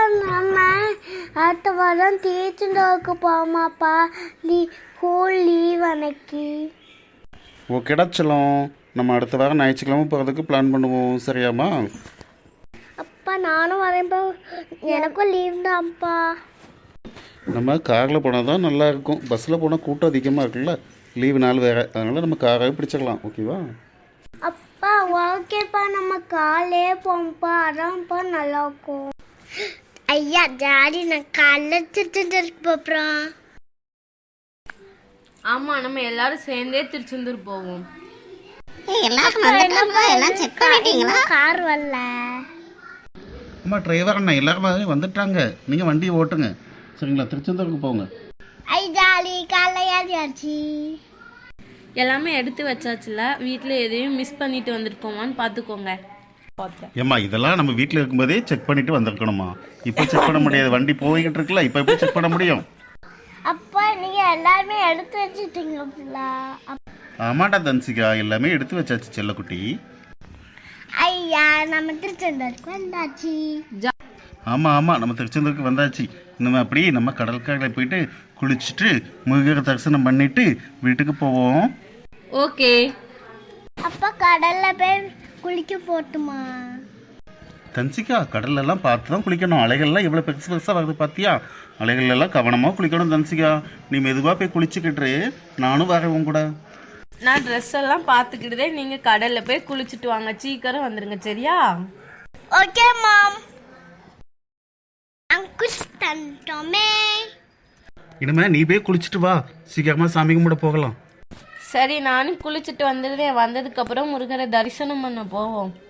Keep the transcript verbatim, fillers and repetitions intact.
நம்ம அடுத்த வாரம் திருச்செந்தூருக்கு போமாப்பா. லீ ஸ்கூல் லீவ் அன்னைக்கு. ஓகேடா செல்லம், நம்ம அடுத்த வாரம் ஞாயிற்றுக்கிழமை போகிறதுக்கு பிளான் பண்ணுவோம். சரியாம்மா? அப்பா நானும் வரேன்ப்பா, எனக்கும் லீவ் தான்ப்பா. நம்ம காரில் போனால் தான் நல்லா இருக்கும். பஸ்ஸில் போனால் கூட்டம் அதிகமாக இருக்குல்ல, லீவு நாள் வேறு. அதனால் நம்ம காராகவே பிடிச்சிக்கலாம். ஓகேவா? அப்பா ஓகேப்பா, நம்ம காலே போம்ப்பா, அதான்ப்பா நல்லா இருக்கும். ஐயா டாடி, நான் காலைல திருச்செந்தூருக்கு போகிறோம். ஆமாம், நம்ம எல்லாரும் சேர்ந்தே திருச்செந்தூர் போவோம். கார் வரல. அம்மா டிரைவர் அண்ணா எல்லாரும் வந்துட்டாங்க, நீங்கள் வண்டியை ஓட்டுங்க. சரிங்களா? திருச்செந்தூருக்கு போங்க. ஐ ஜாலி, காலையாச்சு. எல்லாமே எடுத்து வச்சாச்சுல, வீட்டில் எதையும் மிஸ் பண்ணிட்டு வந்திருக்கோமான்னு பார்த்துக்கோங்க. ஏம்மா இதெல்லாம் நம்ம வீட்டில் இருக்கும்போதே செக் பண்ணிட்டு வந்திருக்கணுமா? இப்போ செக் பண்ண முடியாது, வண்டி போய்கிட்டு இருக்குல்ல, இப்போ எப்படி செக் பண்ண முடியும்? அப்பா நீங்க எல்லாருமே எடுத்து வச்சுட்டீங்களா? ஆமாடா தன்சிகா, எல்லாமே எடுத்து வச்சாச்சு செல்லக்குட்டி. ஐயா நம்ம திருச்செந்தூருக்கு வந்தாச்சு. ஆமாம் ஆமாம், நம்ம திருச்செந்தூருக்கு வந்தாச்சு. நம்ம அப்படி நம்ம கடற்கரையில் போயிட்டு குளிச்சுட்டு முருகரை தரிசனம் பண்ணிட்டு வீட்டுக்கு போவோம். ஓகே. அப்பா கடல்ல போய் குளிக்க போட்டுமா? தன்சிகா, கடல்லெல்லாம் பார்த்து தான் குளிக்கணும். அலைகள்லாம் எவ்வளோ பெருசு பெருசாக வருது பார்த்தியா? அலைகள்லாம் கவனமாக குளிக்கணும் தன்சிகா. நீ மெதுவாக போய் குளிச்சுக்கிட்டு, நானும் வரேன் கூட. நான் ட்ரெஸ் எல்லாம் பார்த்துக்கிட்டதே, நீங்கள் கடலில் போய் குளிச்சுட்டு வாங்க. சீக்கிரம் வந்துடுங்க. சரியா? Okay ma'am. அங்குஷ் தந்தோமே. இனிமே நீ போய் குளிச்சுட்டு வா, சீக்கிரமாக சாமி கும்பிட போகலாம். சரி, நானும் குளிச்சுட்டு வந்துடுதேன். வந்ததுக்கப்புறம் முருகரை தரிசனம் பண்ண போவோம்.